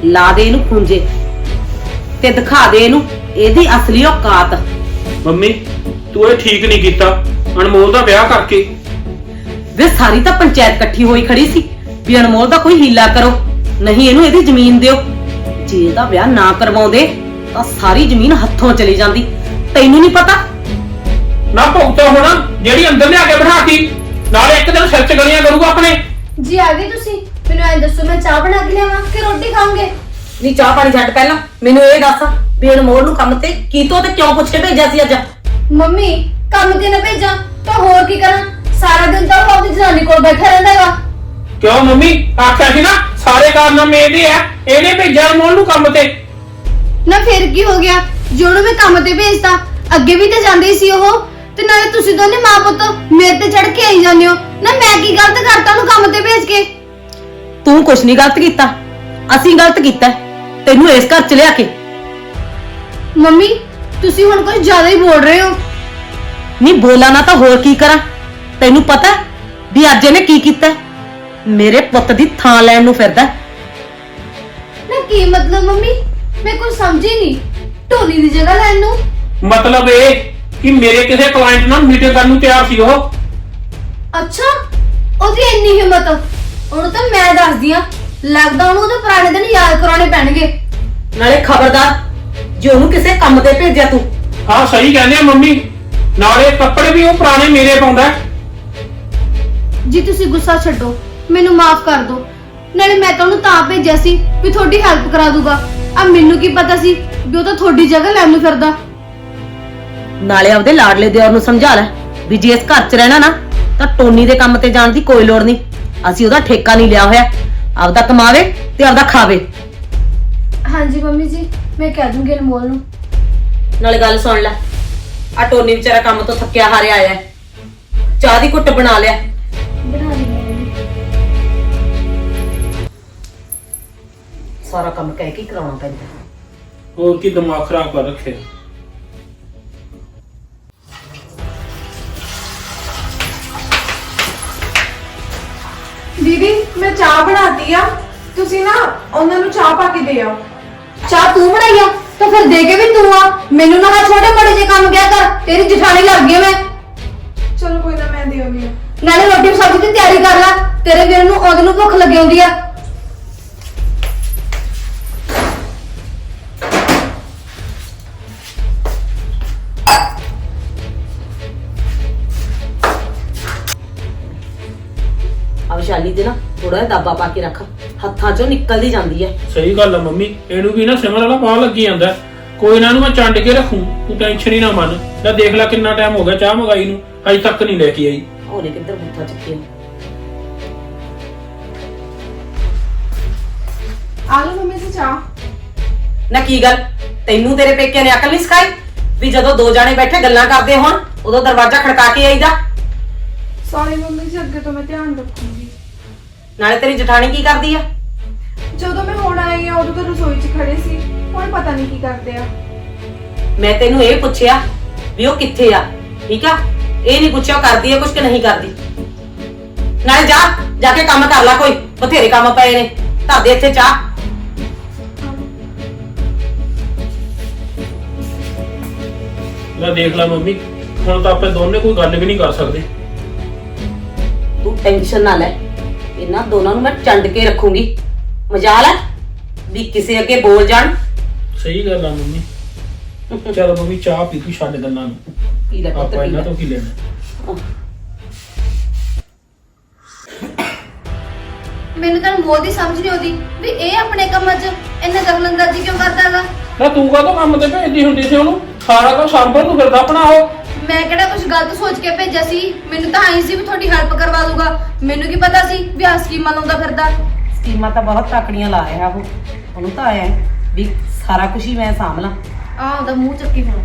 S1: ਲਾ ਦੇ ਇਹਨੂੰ ਖੁੰਝੇ ਤੇ ਦਿਖਾ ਦੇ ਇਹਨੂੰ ਇਹਦੀ ਅਸਲੀ ਔਕਾਤ।
S5: ਮੰਮੀ ਤੂੰ ਇਹ ਠੀਕ ਨਹੀਂ ਕੀਤਾ ਅਨਮੋਲ ਦਾ ਵਿਆਹ ਕਰਕੇ।
S1: ਵੇ ਸਾਰੀ ਤਾਂ ਪੰਚਾਇਤ ਇਕੱਠੀ ਹੋਈ ਖੜੀ ਸੀ ਵੀ ਅਨਮੋਲ ਦਾ ਕੋਈ ਹੀਲਾ ਕਰੋ, ਨਹੀਂ ਇਹਨੂੰ ਇਹਦੀ ਜ਼ਮੀਨ ਦਿਓ। ਜੇ ਇਹਦਾ ਵਿਆਹ ਨਾ ਕਰਵਾਉਂਦੇ ਤਾਂ ਸਾਰੀ ਜ਼ਮੀਨ ਹੱਥੋਂ ਚਲੀ ਜਾਂਦੀ। ਤੈਨੂੰ ਨਹੀਂ ਪਤਾ?
S5: ਨਾ ਭੁਗਤਾ ਹੋਣਾ ਜਿਹੜੀ ਅੰਦਰ ਲਿਆ ਕੇ ਬਿਠਾਤੀ, ਨਾਲੇ ਇੱਕ ਦਿਨ ਸਿਰ ਚ ਗਲੀਆਂ ਕਰੂਗਾ ਆਪਣੇ।
S3: ਜੀ ਆ ਗਏ ਤੁਸੀਂ? ਮੈਨੂੰ ਐਂ ਦੱਸੋ ਮੈਂ ਚਾਹ ਬਣਾ ਕੇ ਲਿਆਵਾਂ ਕਿ ਰੋਟੀ ਖਾਓਗੇ?
S1: ਨਹੀਂ ਚਾਹ ਪਾਣੀ ਛੱਡ, ਪਹਿਲਾਂ ਮੈਨੂੰ ਇਹ ਦੱਸ ਵੀ ਅਨਮੋਲ ਨੂੰ ਕੰਮ ਤੇ ਕੀਤੋਂ ਤੇ ਕਿਉਂ ਪੁੱਛ ਕੇ ਭੇਜਿਆ ਸੀ ਅੱਜ?
S3: ਮੰਮੀ ਕੰਮ ਤੇ ਨਾ ਭੇਜਾਂ ਤਾਂ ਹੋਰ ਕੀ ਕਰਾਂ? ਸਾਰਾ ਦਿਨ ਤਾਂ ਉਹ ਆਪਣੀ ਜਨਾਨੀ ਕੋਲ ਬੈਠਾ ਰਹਿੰਦਾ ਹੈਗਾ।
S5: ਕਿਉਂ ਮੰਮੀ ਆਖਿਆ ਸੀ ਨਾ ਸਾਰੇ ਕਾਰਨਾਮੇ ਇਹਦੇ ਆ, ਇਹਨੇ ਭੇਜਿਆ ਅਨਮੋਲ ਨੂੰ ਕੰਮ ਤੇ।
S3: ਨਾ ਫਿਰ ਕੀ ਹੋ ਗਿਆ ਜੇ ਉਹਨੂੰ ਮੈਂ ਕੰਮ ਤੇ ਭੇਜਤਾ? ਅੱਗੇ ਵੀ ਤਾਂ ਜਾਂਦੇ ਹੀ ਸੀ ਉਹ। ਤੇ ਨਾਲੇ ਤੁਸੀਂ ਦੋਨੇ ਮਾਂ ਪੁੱਤ ਮੇਰੇ ਤੇ ਚੜ ਕੇ ਆਈ ਜਾਂਦੇ ਹੋ ਨਾ। ਮੈਂ ਕੀ ਗਲਤ ਕਰਤਾ ਉਹਨੂੰ ਕੰਮ ਤੇ ਭੇਜ ਕੇ?
S1: ਤੂੰ ਕੁਛ ਨਹੀਂ ਗਲਤ ਕੀਤਾ, ਅਸੀਂ ਗਲਤ ਕੀਤਾ ਤੈਨੂੰ ਇਸ ਘਰ ਚ ਲਿਆ ਕੇ।
S3: ਮੰਮੀ ਤੁਸੀਂ ਹੁਣ ਕੁਝ ਜ਼ਿਆਦਾ ਹੀ ਬੋਲ ਰਹੇ ਹੋ।
S1: ਨਹੀਂ ਬੋਲਾਂ ਨਾ ਤਾਂ ਹੋਰ ਕੀ ਕਰਾਂ? ਤੈਨੂੰ ਪਤਾ ਵੀ ਅੱਜ ਇਹਨੇ ਕੀ ਕੀਤਾ? ਮੇਰੇ ਪੁੱਤ ਦੀ ਥਾਂ ਲੈਣ ਨੂੰ ਫਿਰਦਾ।
S3: ਨਾ ਕੀ ਮਤਲਬ ਮੰਮੀ? ਮੈਂ ਕੁਝ ਸਮਝੀ ਨਹੀਂ। ਢੋਲੀ ਦੀ ਜਗ੍ਹਾ ਲੈਣ ਨੂੰ?
S5: ਮਤਲਬ ਇਹ ਕਿ ਮੇਰੇ ਕਿਸੇ ਕਲਾਇੰਟ ਨਾਲ ਮੀਟਿੰਗ ਕਰਨ ਨੂੰ ਤਿਆਰ ਸੀ ਉਹ।
S3: ਅੱਛਾ ਉਹਦੀ ਇੰਨੀ ਹਿੰਮਤ? ਉਹਨੂੰ ਤਾਂ ਮੈਂ ਦੱਸਦੀ ਆ, ਲੱਗਦਾ ਉਹਨੂੰ ਉਹਦੇ ਪੁਰਾਣੇ ਦਿਨ ਯਾਦ ਕਰਾਉਣੇ ਪੈਣਗੇ।
S1: ਨਾਲੇ ਖਬਰਦਾਰ ਜੇ ਉਹਨੂੰ ਕਿਸੇ ਕੰਮ ਤੇ ਭੇਜਿਆ ਤੂੰ।
S5: ਹਾਂ ਸਹੀ ਕਹਿੰਦੇ ਆ ਮੰਮੀ, ਨਾਲੇ ਕੱਪੜੇ ਵੀ ਉਹ ਪੁਰਾਣੇ ਮੇਰੇ ਪਾਉਂਦਾ।
S3: ਜੀ ਤੁਸੀਂ ਗੁੱਸਾ ਛੱਡੋ, ਮੈਨੂੰ ਮਾਫ ਕਰ ਦਿਓ। ਨਾਲੇ ਮੈਂ ਤਾਂ ਉਹਨੂੰ ਤਾਂ ਭੇਜਿਆ ਸੀ ਵੀ ਤੁਹਾਡੀ ਹੈਲਪ ਕਰਾ ਦੂਗਾ। ਆ ਮੈਨੂੰ ਕੀ ਪਤਾ ਸੀ ਵੀ ਉਹ ਤਾਂ ਤੁਹਾਡੀ ਜਗ੍ਹਾ ਲੈਣ ਨੂੰ ਫਿਰਦਾ।
S1: ਨਾਲੇ ਆਪਦੇ ਲਾਡਲੇ ਦਿਓਰ ਨੂੰ ਸਮਝਾ ਲੈ ਵੀ ਜੇ ਇਸ ਘਰ 'ਚ ਰਹਿਣਾ ਨਾ ਤਾਂ ਟੋਨੀ ਦੇ ਕੰਮ ਤੇ ਜਾਣ ਦੀ ਕੋਈ ਲੋੜ ਨਹੀਂ। ਅਸੀਂ ਉਹਦਾ ਠੇਕਾ ਨਹੀਂ ਲਿਆ ਹੋਇਆ, ਆਪਦਾ ਕਮਾਵੇ ਤੇ ਆਪਦਾ ਖਾਵੇ।
S3: ਹਾਂਜੀ ਮੰਮੀ ਜੀ ਮੈਂ ਕਹਿ ਦੂੰਗੀ ਅਨਮੋਲ ਨੂੰ।
S1: ਨਾਲੇ ਗੱਲ ਸੁਣ ਲੈ, ਆ ਟੋਨੀ ਵਿਚਾਰਾ ਕੰਮ ਤੋਂ ਥੱਕਿਆ ਹਾਰਿਆ ਆਇਆ ਹੈ, ਚਾਹ ਦੀ ਘੁੱਟ ਬਣਾ ਲਿਆ।
S3: ਬਣਾ ਲਈ ਮੰਮੀ।
S1: ਸਾਰਾ ਕੰਮ ਕਹਿ ਕੇ ਹੀ ਕਰਾਉਣਾ ਪੈਂਦਾ।
S5: ਹੋਰ ਕੀ ਦਿਮਾਗ ਖਰਾਬ ਕਰ ਰੱਖਿਆ।
S2: ਦੀਦੀ ਮੈਂ ਚਾਹ ਬਣਾਤੀ ਆ, ਤੁਸੀਂ ਨਾ ਉਹਨਾਂ ਨੂੰ ਚਾਹ ਪਾ ਕੇ ਦੇ ਆਓ।
S3: ਚਾਹ ਤੂੰ ਬਣਾਈ ਆ ਤਾਂ ਫਿਰ ਦੇ ਕੇ ਵੀ ਤੂੰ ਆ। ਮੈਨੂੰ ਨਾ ਆ ਛੋਟੇ ਬੜੇ ਜੇ ਕੰਮ ਕਿਆ ਕਰ, ਤੇਰੀ ਜਠਾਣੀ ਲੱਗ ਗਈ ਮੈਂ।
S2: ਚਲੋ ਕੋਈ ਨਾ ਮੈਂ ਦੇ ਆਉਂਦੀ ਆ।
S3: ਨਾਲੇ ਰੋਟੀ ਸਬਜ਼ੀ ਦੀ ਤਿਆਰੀ ਕਰ ਲੈ, ਤੇਰੇ ਵੀਰ ਨੂੰ ਉਹਦੇ ਨੂੰ ਭੁੱਖ ਲੱਗੀ ਹੁੰਦੀ ਆ।
S1: ਆ ਵਿਸ਼ਾਲੀ ਦੇ ਨਾ ਥੋੜਾ ਜਿਹਾ ਦਾਬਾ ਪਾ ਕੇ ਰੱਖ, ਹੱਥਾਂ 'ਚੋਂ ਨਿਕਲਦੀ ਜਾਂਦੀ ਹੈ।
S5: ਸਹੀ ਗੱਲ ਆ ਮੰਮੀ, ਇਹਨੂੰ ਵੀ ਨਾ ਸਿਮਰ ਵਾਲਾ ਬਾਹ ਲੱਗੀ ਜਾਂਦਾ। ਕੋਈ ਨਾ ਇਹਨੂੰ ਮੈਂ ਚੰਡ ਕੇ ਰੱਖੂ, ਤੂੰ ਟੈਨਸ਼ਨ ਹੀ ਨਾ ਮੰਨ। ਲੈ ਦੇਖ ਲੈ ਕਿੰਨਾ ਟਾਈਮ ਹੋ ਗਿਆ ਚਾਹ ਮੰਗਾਈ ਨੂੰ, ਅਜੇ ਤੱਕ ਨਹੀਂ ਲੈ ਕੇ ਆਈ।
S1: ਉਹਨੇ ਕਿੱਧਰ ਬੁੱਥਾ ਚੱਕਿਆ।
S2: ਆ ਲਓ ਮੰਮੀ ਜੀ ਚਾਹ।
S1: ਨਾ ਕੀ ਗੱਲ, ਤੈਨੂੰ ਤੇਰੇ ਪੇਕਿਆਂ ਨੇ ਅਕਲ ਨਹੀਂ ਸਿਖਾਈ ਵੀ ਜਦੋਂ ਦੋ ਜਾਣੇ ਬੈਠੇ ਗੱਲਾਂ ਕਰਦੇ ਹੋਣ ਉਦੋਂ ਦਰਵਾਜ਼ਾ ਖੜਕਾ ਕੇ ਆਈਦਾ?
S2: ਸੌਰੀ ਮੰਮੀ ਜੀ, ਅੱਗੇ ਤੋਂ ਮੈਂ ਧਿਆਨ ਰੱਖੂੰਗੀ।
S1: ਨਾਲੇ ਤੇਰੀ ਜਠਾਣੀ ਕੀ ਕਰਦੀ ਆ?
S2: ਜਦੋਂ ਮੈਂ ਹੁਣ ਆਈ ਆ ਉਦੋਂ ਤਾਂ ਰਸੋਈ 'ਚ ਖੜੇ ਸੀ, ਹੁਣ ਪਤਾ ਨਹੀਂ ਕੀ ਕਰਦੇ ਆ।
S1: ਮੈਂ ਤੈਨੂੰ ਇਹ ਪੁੱਛਿਆ ਵੀ ਉਹ ਕਿੱਥੇ ਆ, ਠੀਕ ਆ? ਇਹ ਨਹੀਂ ਪੁੱਛਿਆ ਉਹ ਕਰਦੀ ਆ ਕੁਝ ਕਿ ਨਹੀਂ ਕਰਦੀ। ਨਾਲੇ ਜਾ ਜਾ ਕੇ ਕੰਮ ਕਰ ਲੈ, ਕੋਈ ਬਥੇਰੇ ਕੰਮ ਪਏ ਨੇ। ਧਰ ਦੇ ਇੱਥੇ ਚਾਹ।
S5: ਲੈ ਦੇਖ ਲੈ ਮੰਮੀ, ਹੁਣ ਤਾਂ ਆਪਾਂ ਦੋਨੇ ਕੋਈ ਗੱਲ ਵੀ ਨਹੀਂ ਕਰ ਸਕਦੇ।
S1: ਤੂੰ ਟੈਨਸ਼ਨ ਨਾ ਲੈ, ਇਹਨਾਂ ਦੋਨਾਂ ਨੂੰ ਮੈਂ ਚੰਡ ਕੇ ਰੱਖੂੰਗੀ। ਮਜਾਲ ਹੈ ਵੀ ਕਿਸੇ ਅੱਗੇ ਬੋਲ ਜਾਣ।
S5: ਸਹੀ ਗੱਲ ਆ ਮੰਮੀ। ਚਲ ਮੰਮੀ ਚਾਹ ਪੀ ਤੂੰ, ਛੱਡ ਦਿੰਨਾ ਨੂੰ।
S1: ਪੀ ਲੈ ਪੁੱਤ,
S5: ਆਪਾਂ
S1: ਪੀ
S5: ਇਹਨਾਂ
S1: ਲੈ।
S5: ਤੋਂ ਕੀ ਲੈਣਾ।
S3: ਮੈਨੂੰ ਤਾਂ ਅਨਮੋਲ ਦੀ ਸਮਝ ਨਹੀਂ ਆਉਂਦੀ ਵੀ ਇਹ ਆਪਣੇ ਕੰਮਾਂ 'ਚ ਇੰਨਾ ਦਖਲਅੰਦਾਜ਼ੀ ਕਿਉਂ ਕਰਦਾ ਹੈਗਾ।
S5: ਨਾ ਤੂੰ ਕਾਹਤੋਂ ਕੰਮ ਤੇ ਭੇਜਦੀ ਹੁੰਦੀ ਸੀ ਉਹਨੂੰ? ਸਾਰਾ ਕੁਝ ਸੰਭਲ ਨੂੰ ਫਿਰਦਾ ਆਪਣਾ ਉਹ।
S3: ਮੈਂ ਕਿਹੜਾ ਕੁਝ ਗਲਤ ਸੋਚ ਕੇ ਭੇਜਿਆ ਸੀ? ਮੈਨੂੰ ਤਾਂ ਆਈ ਸੀ ਵੀ ਤੁਹਾਡੀ ਹੈਲਪ ਕਰਵਾ ਦੂਗਾ। ਮੈਨੂੰ ਕੀ ਪਤਾ ਸੀ ਵੀ ਆ ਸਕੀਮਾਂ ਲਾਉਂਦਾ ਫਿਰਦਾ।
S1: ਸਕੀਮਾਂ ਤਾਂ ਬਹੁਤ ਤਾਕੜੀਆਂ ਲਾ ਰਿਹਾ ਉਹ। ਉਹਨੂੰ ਤਾਂ ਆਇਆ ਵੀ ਸਾਰਾ ਕੁਝ ਹੀ ਮੈਂ ਸਾਂਭ ਲਾਂ।
S3: ਆਹ ਉਹਦਾ ਮੂੰਹ ਚੱਕੀ ਹੁਣ।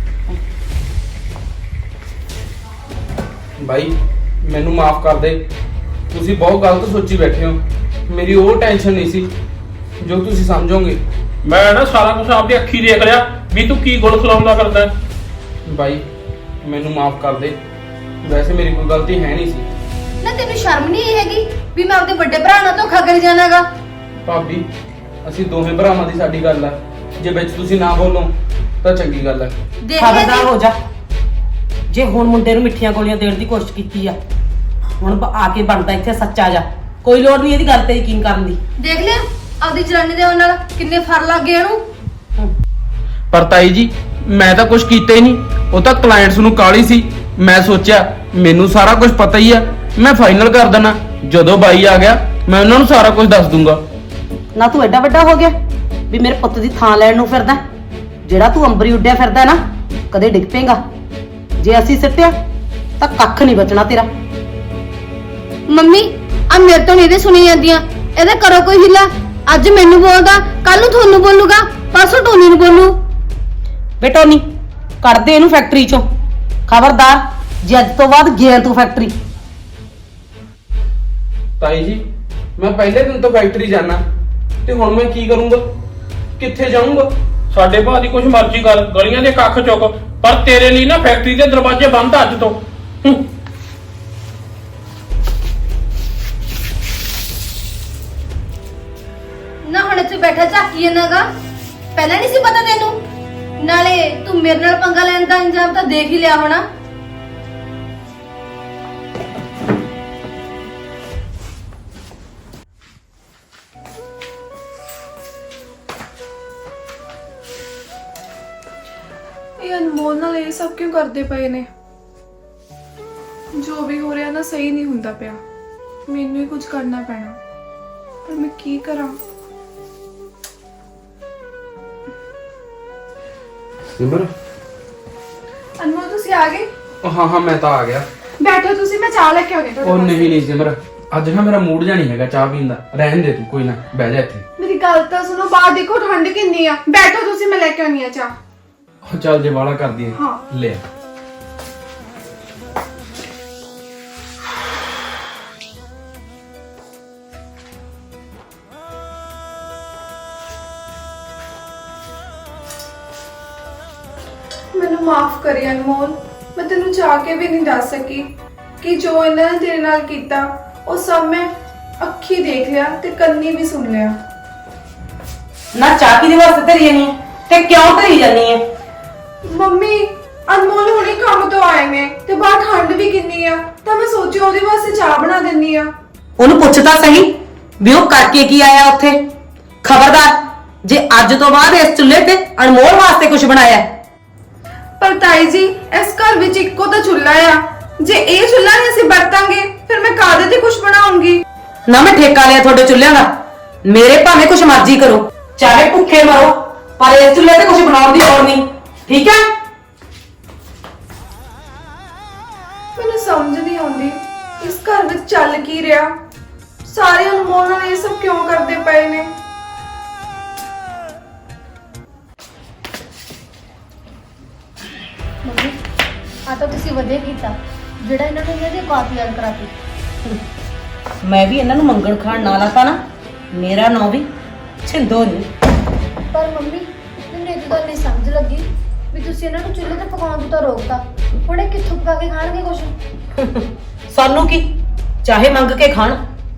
S4: ਬਾਈ ਮੈਨੂੰ ਮਾਫ ਕਰ ਦੇ, ਤੁਸੀਂ ਬਹੁਤ ਗਲਤ ਸੋਚੀ ਬੈਠੇ ਹੋ। ਮੇਰੀ ਉਹ ਟੈਨਸ਼ਨ ਨਹੀਂ ਸੀ ਜੋ ਤੁਸੀਂ ਸਮਝੋਗੇ।
S5: ਮੈਂ ਨਾ ਸਾਰਾ ਕੁਝ ਆਪਦੀ ਅੱਖੀ ਦੇਖ ਲਿਆ ਵੀ ਤੂੰ ਕੀ ਗੁਲ ਖਲਾਉਂਦਾ ਕਰਦਾ।
S4: ਬਾਈ ਮੈਨੂੰ ਮਾਫ ਕਰ ਦੇ, ਵੈਸੇ ਮੇਰੀ ਕੋਈ ਗਲਤੀ ਹੈ ਨਹੀਂ ਸੀ।
S3: ਨਾ ਤੈਨੂੰ ਸ਼ਰਮ ਨਹੀਂ ਆਈ ਹੈਗੀ ਵੀ ਮੈਂ ਆਪਦੇ ਵੱਡੇ ਭਰਾ ਨਾਲ ਧੋਖਾ ਕਰੀ ਜਾਣਾਗਾ?
S4: ਭਾਬੀ ਅਸੀਂ ਦੋਵੇਂ ਭਰਾਵਾਂ ਦੀ ਸਾਡੀ ਗੱਲ ਆ, ਜੇ ਵਿੱਚ ਤੁਸੀਂ ਨਾ ਬੋਲੋ ਤਾਂ ਚੰਗੀ ਗੱਲ ਹੈ।
S3: ਦੇਖ ਲਿਆ
S1: ਖਬਰਦਾਰ
S3: ਜੀ?
S1: ਹੋ ਜਾ। ਜੇ ਹੁਣ ਮੁੰਡੇ ਨੂੰ ਮਿੱਠੀਆਂ ਗੋਲੀਆਂ ਦੇਣ ਦੀ ਕੋਸ਼ਿਸ਼ ਕੀਤੀ ਆ, ਹੁਣ ਬ- ਆ ਕੇ ਬਣਦਾ ਇੱਥੇ ਸੱਚਾ ਜਾ। ਕੋਈ ਲੋੜ ਨਹੀਂ ਇਹਦੀ ਗੱਲ ਤੇ ਯਕੀਨ ਕਰਨ ਦੀ।
S3: ਦੇਖ ਲਿਆ ਆਪਦੀ ਜਨਾਨੀ ਦੇ ਨਾਲ ਕਿੰਨੇ ਫਰ ਲੱਗ ਗਏ ਇਹਨੂੰ।
S4: ਪਰ ਤਾਈ ਜੀ ਮੈਂ ਤਾਂ ਕੁਝ ਕੀਤਾ ਹੀ ਨਹੀਂ, ਉਹ ਤਾਂ ਕਲਾਇੰਟਸ ਨੂੰ ਕਾਲੀ ਸੀ। ਮੈਂ ਸੋਚਿਆ ਮੈਨੂੰ ਸਾਰਾ ਕੁਝ ਪਤਾ ਹੀ ਆ, ਮੈਂ ਫਾਈਨਲ ਕਰ ਦੇਣਾ। ਜਦੋਂ ਬਾਈ ਆ ਗਿਆ ਮੈਂ ਉਹਨਾਂ ਨੂੰ ਸਾਰਾ ਕੁਝ ਦੱਸ ਦੂੰਗਾ।
S1: ਨਾ ਤੂੰ ਐਡਾ ਵੱਡਾ ਹੋ ਗਿਆ ਵੀ ਮੇਰੇ ਪੁੱਤ ਦੀ ਥਾਂ ਲੈਣ ਨੂੰ ਫਿਰਦਾ। ਜਿਹੜਾ ਤੂੰ ਅੰਬਰੀ ਉੱਡਿਆ ਫਿਰਦਾ ਨਾ, ਕਦੇ ਡਿੱਗ ਪੇਗਾ। ਜੇ ਅਸੀਂ ਸਿੱਟਿਆ ਤਾਂ ਕੱਖ ਨਹੀਂ ਬਚਣਾ ਤੇਰਾ।
S3: ਮੰਮੀ ਆ ਮੇਰੇ ਤੋਂ ਨਹੀਂ ਸੁਣੀ ਜਾਂਦੀਆਂ, ਇਹਦਾ ਕਰੋ ਕੋਈ ਹਿੱਲਾ। ਅੱਜ ਮੈਨੂੰ ਬੋਲਦਾ, ਕੱਲ ਨੂੰ ਤੁਹਾਨੂੰ ਬੋਲੂਗਾ, ਪਰਸੋਂ ਟੋਨੀ ਨੂੰ ਬੋਲੂ।
S1: ਬੇਟੋ ਨਹੀਂ ਕੱਢ ਦੇ ਇਹਨੂੰ ਫੈਕਟਰੀ ਚੋਂ। ਖਬਰਦਾਰ ਜੇ ਅੱਜ ਤੋਂ ਬਾਅਦ ਗਿਆ ਤੂੰ ਫੈਕਟਰੀ।
S4: ਤਾਈ ਜੀ ਮੈਂ ਪਹਿਲੇ ਦਿਨ ਤੋਂ ਫੈਕਟਰੀ ਜਾਣਾ, ਤੇ ਹੁਣ ਮੈਂ ਕੀ ਕਰੂੰਗਾ? ਕਿੱਥੇ ਜਾਊਂਗਾ?
S5: ਸਾਡੇ ਭਾਅ ਦੀ ਕੁਛ ਮਰਜ਼ੀ ਕਰ, ਗਲੀਆਂ ਦੇ ਕੱਖ ਚੁੱਕ, ਪਰ ਤੇਰੇ ਲਈ ਨਾ ਫੈਕਟਰੀ ਦੇ ਦਰਵਾਜ਼ੇ ਬੰਦ ਆ ਅੱਜ ਤੋਂ। ਹੂੰ।
S3: ਨਾ ਹੁਣ ਇੱਥੇ ਬੈਠਾ ਝਾਕੀ ਜਾਂਦਾਗਾ, ਪਹਿਲਾਂ ਨਹੀਂ ਸੀ ਪਤਾ ਤੈਨੂੰ? ਨਾਲੇ ਤੂੰ ਮੇਰੇ ਨਾਲ ਪੰਗਾ ਲੈਣ ਦਾ ਇੰਜਾਮ ਤਾਂ ਦੇਖ ਹੀ ਲਿਆ ਹੋਣਾ।
S2: ਇਹ ਅਨਮੋਲ ਨਾਲ ਇਹ ਸਭ ਕਿਉਂ ਕਰਦੇ ਪਏ ਨੇ? ਜੋ ਵੀ ਹੋ ਰਿਹਾ ਨਾ ਸਹੀ ਨਹੀਂ ਹੁੰਦਾ ਪਿਆ। ਮੈਨੂੰ ਹੀ ਕੁਝ ਕਰਨਾ ਪੈਣਾ, ਪਰ ਮੈਂ ਕੀ ਕਰਾਂ?
S4: ਸਿਮਰ
S2: ਅਨਮੋਲ ਤੁਸੀਂ ਆ ਗਏ?
S4: ਹਾਂ ਹਾਂ ਮੈਂ ਤਾਂ ਆ ਗਿਆ।
S2: ਬੈਠੋ ਤੁਸੀਂ, ਮੈਂ ਚਾਹ ਲੈ ਕੇ ਆਉਣੀ ਤੁਹਾਡੇ
S4: ਉਹ
S2: ਵਾਸਤੇ।
S4: ਨਹੀਂ ਨਹੀਂ ਸਿਮਰ, ਅੱਜ ਨਾ ਮੇਰਾ ਮੂਡ ਜਾ ਨਹੀਂ ਹੈਗਾ ਚਾਹ ਪੀਣ ਦਾ। ਰਹਿਣ ਦੇ ਤੂੰ, ਕੋਈ ਨਾ, ਬਹਿ ਜਾ ਇੱਥੇ।
S2: ਮੇਰੀ ਗੱਲ ਤਾਂ ਸੁਣੋ, ਬਾਹਰ ਦੇਖੋ ਠੰਡ ਕਿੰਨੀ ਆ। ਬੈਠੋ ਤੁਸੀਂ, ਮੈਂ ਲੈ ਕੇ ਆਉਣੀ ਆ ਚਾਹ।
S4: ਉਹ ਚੱਲ ਜੇ ਵਾਲਾ ਕਰਦੀ ਹੈ
S2: ਹਾਂ।
S4: ਲੈ।
S2: ਮੈਨੂੰ ਮਾਫ ਕਰੀ ਅਨਮੋਲ, ਮੈਂ ਤੈਨੂੰ ਚਾਹ ਕੇ ਵੀ ਨਹੀਂ ਦੱਸ ਸਕੀ ਕਿ ਜੋ ਇਹਨਾਂ ਨੇ ਤੇਰੇ ਨਾਲ ਕੀਤਾ ਉਹ ਸਭ ਮੈਂ ਅੱਖੀ ਦੇਖ ਲਿਆ ਤੇ ਕੰਨੀ ਵੀ ਸੁਣ ਲਿਆ।
S1: ਨਾ ਚਾਹ ਕਿਹਦੇ ਵਾਸਤੇ ਧਰੀ ਨਹੀਂ ਤੇ ਕਿਉਂ ਧਰੀ ਜਾਨੀ ਹੈ?
S2: ਮੰਮੀ ਅਨਮੋਲ ਹੁਣੇ ਕੰਮ ਤੋਂ ਆਏ ਨੇ ਤੇ ਬਾਹਰ ਠੰਡ ਵੀ ਕਿੰਨੀ ਆ, ਤਾਂ ਮੈਂ ਸੋਚਿਆ ਉਹਦੇ ਵਾਸਤੇ ਚਾਹ ਬਣਾ ਦਿੰਨੀ ਆ।
S1: ਉਹਨੂੰ ਪੁੱਛ ਤਾਂ ਸਹੀ ਵੀ ਉਹ ਕਰਕੇ ਕੀ ਆਇਆ ਉੱਥੇ। ਖਬਰਦਾਰ ਜੇ ਅੱਜ ਤੋਂ ਬਾਅਦ ਇਸ ਚੁੱਲ੍ਹੇ ਤੇ ਅਨਮੋਲ ਵਾਸਤੇ ਕੁਝ ਬਣਾਇਆ।
S2: ਪਰ ਤਾਈ ਜੀ ਇਸ ਘਰ ਵਿੱਚ ਇੱਕੋ ਤਾਂ ਚੁੱਲ੍ਹਾ ਆ, ਜੇ ਇਹ ਚੁੱਲ੍ਹਾ ਨਹੀਂ ਅਸੀਂ ਵਰਤਾਂਗੇ ਫਿਰ ਮੈਂ ਕਾਹਦੇ ਤੇ ਕੁਝ ਬਣਾਉਂਗੀ?
S1: ਨਾ ਮੈਂ ਠੇਕਾ ਲਿਆ ਤੁਹਾਡੇ ਚੁੱਲ੍ਹਿਆਂ ਦਾ। ਮੇਰੇ ਭਾਵੇਂ ਕੁਝ ਮਰਜ਼ੀ ਕਰੋ, ਚਾਹੇ ਭੁੱਖੇ ਮਰੋ, ਪਰ ਇਸ ਚੁੱਲ੍ਹੇ ਤੇ ਕੁਝ ਬਣਾਉਣ ਦੀ ਲੋੜ ਨਹੀਂ, ਠੀਕ ਹੈ?
S2: ਮੈਨੂੰ ਸਮਝ ਨਹੀਂ ਆਉਂਦੀ ਇਸ ਘਰ ਵਿੱਚ ਚੱਲ ਕੀ ਰਿਹਾ। ਸਾਰੇ ਅਨਮੋਲ ਨਾਲ ਇਹ ਸਭ ਕਿਉਂ ਕਰਦੇ ਪਏ ਨੇ?
S3: ਮੰਮੀ ਆ ਤਾਂ ਤੁਸੀਂ ਵਧੀਆ ਕੀਤਾ ਜਿਹੜਾ ਇਹਨਾਂ ਨੂੰ ਇਹਨਾਂ ਦੀ ਔਕਾਤ ਯਾਦ ਕਰਾਤੀ।
S1: ਮੈਂ ਵੀ ਇਹਨਾਂ ਨੂੰ ਮੰਗਣ ਖਾਣ ਨਾ ਲਾਤਾ ਨਾ, ਮੇਰਾ ਨਾਂ ਵੀ ਛਿੰਦੋ ਨਹੀਂ।
S3: ਪਰ ਮੰਮੀ ਮੈਨੂੰ ਇਹ ਗੱਲ ਨਹੀਂ ਸਮਝ ਲੱਗੀ ਵੀ ਤੁਸੀਂ ਇਹਨਾਂ ਨੂੰ ਚੁੱਲ੍ਹੇ ਤੇ ਪਕਾਉਣ ਤੋਂ ਤਾਂ ਰੋਕਤਾ, ਹੁਣ ਇਹ ਕਿੱਥੋਂ ਪਕਾ ਕੇ ਖਾਣਗੇ ਕੁਛ?
S1: ਸਾਨੂੰ ਕੀ, ਚਾਹੇ ਮੰਗ ਕੇ ਖਾਣ।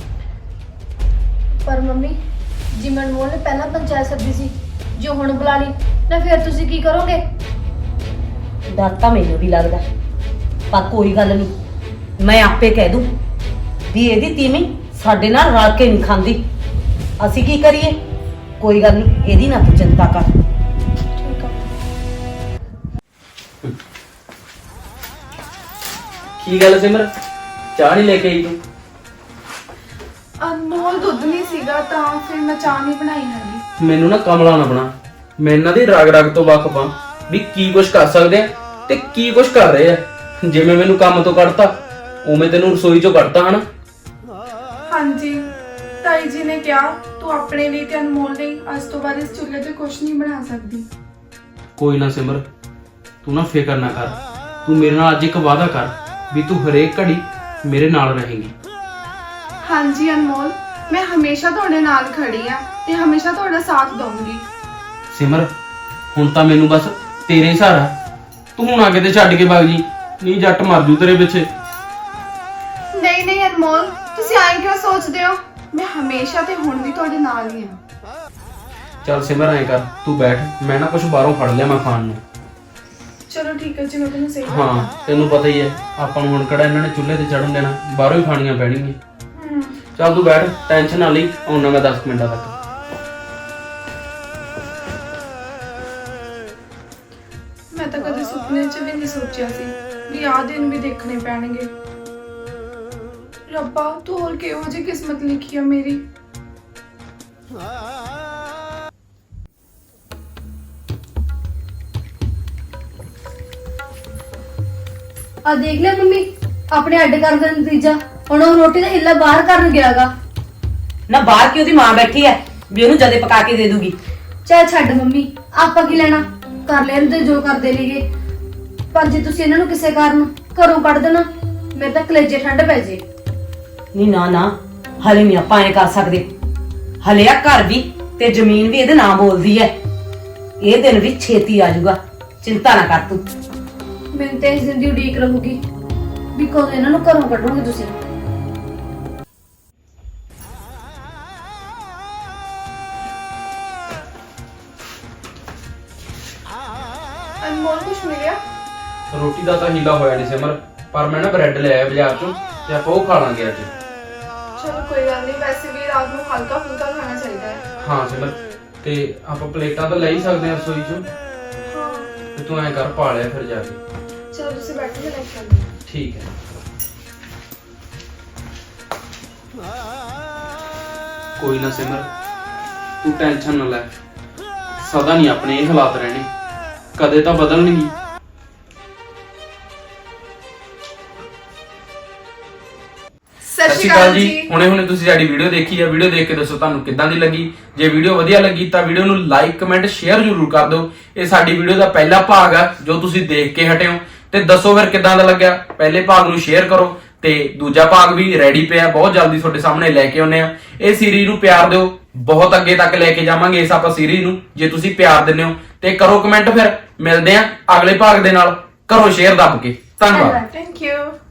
S3: ਪਰ ਮੰਮੀ ਜੀ ਮਨਮੋਲ ਨੇ ਪਹਿਲਾਂ ਪੰਚਾਇਤ ਸੱਦੀ ਸੀ, ਜੋ ਹੁਣ ਬੁਲਾ ਲਈ ਨਾ, ਫਿਰ ਤੁਸੀਂ ਕੀ ਕਰੋਗੇ?
S1: ਡਰ ਤਾਂ ਮੈਨੂੰ ਵੀ ਲੱਗਦਾ, ਪਰ ਕੋਈ ਗੱਲ ਨਹੀਂ, ਮੈਂ ਆਪੇ ਕਹਿ ਦੂੰ ਵੀ ਇਹਦੀ ਤੀਵੀਂ ਸਾਡੇ ਨਾਲ ਰਲ ਕੇ ਨਹੀਂ ਖਾਂਦੀ। ਅਸੀਂ ਕੀ ਕਰੀਏ? ਕੋਈ ਗੱਲ ਨਹੀਂ, ਇਹਦੀ ਨਾ ਤੂੰ ਚਿੰਤਾ ਕਰ।
S2: ਠੀਕ ਆ।
S4: ਕੀ ਗੱਲ ਸਿਮਰ, ਚਾਹ ਨਹੀਂ ਲੈ ਕੇ ਆਈ ਤੂੰ?
S2: ਅਨਮੋਲ ਦੁੱਧ ਨਹੀਂ ਸੀਗਾ ਤਾਂ ਫਿਰ ਮੈਂ ਚਾਹ ਨਹੀਂ ਬਣਾਈ ਹੈਗੀ।
S4: ਮੈਨੂੰ ਨਾ ਕਮਲਾ ਨਾ ਬਣਾ। ਮੈਂ ਇਹਨਾਂ ਦੀ ਰਗ ਰਗ ਤੋਂ ਵਾਕਿਫ ਹਾਂ ਵੀ ਕੀ ਕੁਝ ਕਰ ਸਕਦੇ ਆ ਤੇ ਕੀ ਕੁਝ ਕਰ ਰਹੇ ਆ। ਜਿਵੇਂ ਮੈਨੂੰ ਕੰਮ ਤੋਂ ਕੱਢਤਾ ਉਵੇਂ ਤੈਨੂੰ ਰਸੋਈ ਚੋਂ ਕੱਢਤਾ ਹਨਾ।
S2: ਹਾਂਜੀ ਤਾਈ ਜੀ ਨੇ ਕਿਹਾ ਤੂੰ ਆਪਣੇ ਲਈ ਤੇ ਅਨਮੋਲ ਲਈ ਅੱਜ ਤੋਂ ਬਾਅਦ ਇਸ ਚੁੱਲ੍ਹੇ ਤੇ ਕੁਝ ਨਹੀਂ ਬਣਾ ਸਕਦੀ।
S4: ਕੋਈ ਨਾ ਸਿਮਰ, ਤੂੰ ਨਾ ਫਿਕਰ ਨਾ ਕਰ। ਤੂੰ ਮੇਰੇ ਨਾਲ ਅੱਜ ਇੱਕ ਵਾਅਦਾ ਕਰ ਵੀ ਤੂੰ ਹਰੇਕ ਘੜੀ ਮੇਰੇ ਨਾਲ ਰਹੇਂਗੀ।
S2: ਹਾਂਜੀ ਅਨਮੋਲ, ਮੈਂ ਹਮੇਸ਼ਾ ਤੁਹਾਡੇ ਨਾਲ ਖੜੀ ਆ ਤੇ ਹਮੇਸ਼ਾ ਤੁਹਾਡਾ ਸਾਥ ਦਊਂਗੀ।
S4: ਸਿਮਰ ਹੁਣ ਤਾਂ ਮੈਨੂੰ ਬਸ ਤੇਰੇ ਸਹਾਰਾ। ਤੂੰ ਹੁਣ ਆ ਕਿਤੇ ਛੱਡ ਕੇ ਭੱਜ ਜੀ, ਨਹੀਂ ਜੱਟ ਮਰ ਜੂ ਤੇਰੇ ਪਿੱਛੇ।
S2: ਨਹੀਂ ਨਹੀਂ ਅਨਮੋਲ, ਤੁਸੀਂ ਐਂ ਕਿਉਂ ਸੋਚਦੇ ਹੋ? ਮੈਂ ਹਮੇਸ਼ਾ ਤੇ ਹੁਣ ਵੀ ਤੁਹਾਡੇ ਨਾਲ ਹੀ ਹਾਂ।
S4: ਚੱਲ ਸਿਮਰ ਐਂ ਕਰ ਤੂੰ ਬੈਠ, ਮੈਂ ਨਾ ਕੁਝ ਬਾਹਰੋਂ ਫੜ ਲਿਆ ਮੈਂ ਖਾਣ ਨੂੰ।
S2: ਚਲੋ ਠੀਕ ਹੈ ਜੀ, ਮੈਂ ਤੁਹਾਨੂੰ ਸਹੀ
S4: ਹਾਂ ਤੈਨੂੰ ਪਤਾ ਹੀ ਹੈ ਆਪਾਂ ਨੂੰ ਹੁਣ ਕਿਹੜਾ ਇਹਨਾਂ ਨੇ ਚੁੱਲ੍ਹੇ ਤੇ ਚੜਨ ਦੇਣਾ, ਬਾਹਰੋਂ ਹੀ ਖਾਣੀਆਂ ਪੈਣਗੀਆਂ।
S2: ਹੂੰ।
S4: ਚੱਲ ਤੂੰ ਬੈਠ, ਟੈਨਸ਼ਨ ਨਾ ਲਈ, ਆਉਣਾ ਮੈਂ ਦਸ ਮਿੰਟਾਂ ਤੱਕ।
S2: ਮੈਂ ਤਾਂ ਕਦੇ ਸੁਪਨੇ 'ਚ ਵੀ ਨਹੀਂ ਸੋਚਿਆ ਸੀ ਵੀ ਆਹ ਦਿਨ ਵੀ ਦੇਖਣੇ ਪੈਣਗੇ। ਰੱਬਾ ਤੂੰ ਹੋਰ ਕਿਹੋ ਜਿਹੀ ਕਿਸਮਤ ਲਿਖੀ ਆ ਮੇਰੀ।
S3: ਆ ਦੇਖ ਲੈ ਮੰਮੀ, ਆਪਣੇ ਅੱਡ ਕਰਨ ਦਾ ਨਤੀਜਾ। ਹੁਣ ਉਹ ਰੋਟੀ ਦਾ ਹਿੱਲਾ ਬਾਹਰ ਕਰਨ ਗਿਆਗਾ।
S1: ਨਾ ਬਾਹਰ ਕੀ ਉਹਦੀ ਮਾਂ ਬੈਠੀ ਐ ਵੀ ਉਹਨੂੰ ਜਦੇ ਪਕਾ ਕੇ ਦੇ ਦੂਗੀ।
S3: ਚੱਲ ਛੱਡ ਮੰਮੀ, ਆਪਾਂ ਕੀ ਲੈਣਾ, ਕਰ ਲੈਣ ਤੇ ਜੋ ਕਰਦੇ ਲਈਏ। ਪਰ ਜੇ ਤੁਸੀਂ ਇਹਨਾਂ ਨੂੰ ਕਿਸੇ ਕਾਰਨ ਘਰੋਂ ਕੱਢ ਦੇਣਾ, ਮੇਰੇ ਤਾਂ ਕਲੇਜੇ ਠੰਡ ਪੈ ਜੇ।
S1: ਨਹੀਂ ਨਾ ਨਾ, ਹਲੇ ਨਹੀਂ ਆਪਾਂ ਐ ਕਰ ਸਕਦੇ। ਹਲੇ ਆ ਘਰ ਵੀ ਤੇ ਜ਼ਮੀਨ ਵੀ ਇਹਦੇ ਨਾਂ ਬੋਲਦੀ ਐ। ਇਹ ਦਿਨ ਵੀ ਛੇਤੀ ਆ ਜਾਊਗਾ, ਚਿੰਤਾ ਨਾ ਕਰ ਤੂੰ।
S3: ਮੈਨੂੰ ਤੇ ਇਸ ਦਿਨ ਦੀ ਉਡੀਕ ਰਹੂਗੀ ਵੀ ਕਦੋਂ ਇਹਨਾਂ ਨੂੰ ਘਰੋਂ ਕੱਢੋਗੇ ਤੁਸੀਂ।
S2: ਅਨਮੋਲ ਕੁਛ ਮਿਲਿਆ?
S4: ਰੋਟੀ ਦਾ ਤਾਂ ਹੀਲਾ ਹੋਇਆ ਨਹੀਂ ਸਿਮਰ, ਪਰ ਮੈਂ ਨਾ ਬ੍ਰੈਡ ਲੈ ਆਇਆ ਬਾਜ਼ਾਰ ਚੋਂ ਤੇ ਆਪਾਂ ਉਹ ਖਾ ਲਾਂਗੇ ਅੱਜ।
S2: ਚਲੋ ਕੋਈ ਗੱਲ ਨਹੀਂ, ਵੈਸੇ ਵੀ ਰਾਤ ਨੂੰ ਹਲਕਾ ਫੁਲਕਾ ਖਾਣਾ ਚਾਹੀਦਾ ਹੈ।
S4: ਹਾਂ ਸਿਮਰ, ਤੇ ਆਪਾਂ ਪਲੇਟਾਂ ਤਾਂ ਲੈ ਹੀ ਸਕਦੇ ਹਾਂ ਰਸੋਈ ਚੋਂ,
S2: ਹਾਂ
S4: ਤੇ ਤੂੰ ਐਂ ਕਰ ਪਾ ਲਿਆ ਫਿਰ ਜਾ ਕੇ।
S2: ਚਲੋ ਤੁਸੀਂ ਬੈਠੋ, ਮੈਂ ਲੈ ਕੇ ਆਉਂਦੀ ਹਾਂ।
S4: ਠੀਕ ਹੈ। ਕੋਈ ਨਾ ਸਿਮਰ, ਤੂੰ ਟੈਨਸ਼ਨ ਨਾ ਲੈ, ਸਦਾ ਨਹੀਂ ਆਪਣੇ ਇਹ ਹਾਲਾਤ ਰਹਿਣੇ, ਕਦੇ ਤਾਂ ਬਦਲਣਗੇ।
S2: ਸਤਿ ਸ਼੍ਰੀ ਅਕਾਲ ਜੀ।
S4: ਹੁਣੇ ਹੁਣੇ ਤੁਸੀਂ ਸਾਡੀ ਵੀਡੀਓ ਦੇਖੀ ਹੈ, ਵੀਡੀਓ ਦੇਖ ਕੇ ਦੱਸੋ ਤੁਹਾਨੂੰ ਕਿੱਦਾਂ ਦੀ ਲੱਗੀ। ਜੇ ਵੀਡੀਓ ਵਧੀਆ ਲੱਗੀ ਤਾਂ ਵੀਡੀਓ ਨੂੰ ਲਾਈਕ ਕਮੈਂਟ ਸ਼ੇਅਰ ਜ਼ਰੂਰ ਕਰ ਦਿਓ। ਇਹ ਸਾਡੀ ਵੀਡੀਓ ਦਾ ਪਹਿਲਾ ਭਾਗ ਆ ਜੋ ਤੁਸੀਂ ਦੇਖ ਕੇ ਹਟੇ ਹੋ, ਤੇ ਦੱਸੋ ਫਿਰ ਕਿੱਦਾਂ ਦਾ ਲੱਗਿਆ। ਪਹਿਲੇ ਭਾਗ ਨੂੰ ਸ਼ੇਅਰ ਕਰੋ ਤੇ ਦੂਜਾ ਭਾਗ ਵੀ ਰੈਡੀ ਪਿਆ, ਬਹੁਤ ਜਲਦੀ ਤੁਹਾਡੇ ਸਾਹਮਣੇ ਲੈ ਕੇ ਆਉਨੇ ਆ। ਇਹ ਸੀਰੀਜ਼ ਨੂੰ ਪਿਆਰ ਦਿਓ, ਬਹੁਤ ਅੱਗੇ ਤੱਕ ਲੈ ਕੇ ਜਾਵਾਂਗੇ ਇਸ ਆਪਾਂ ਸੀਰੀਜ਼ ਨੂੰ, ਜੇ ਤੁਸੀਂ ਪਿਆਰ ਦਿੰਦੇ ਹੋ। ਤੇ ਕਰੋ ਕਮੈਂਟ, ਫਿਰ ਮਿਲਦੇ ਆ ਅਗਲੇ ਭਾਗ ਦੇ ਨਾਲ। ਕਰੋ ਸ਼ੇਅਰ ਦੱਬ ਕੇ। ਧੰਨਵਾਦ।
S2: Thank you.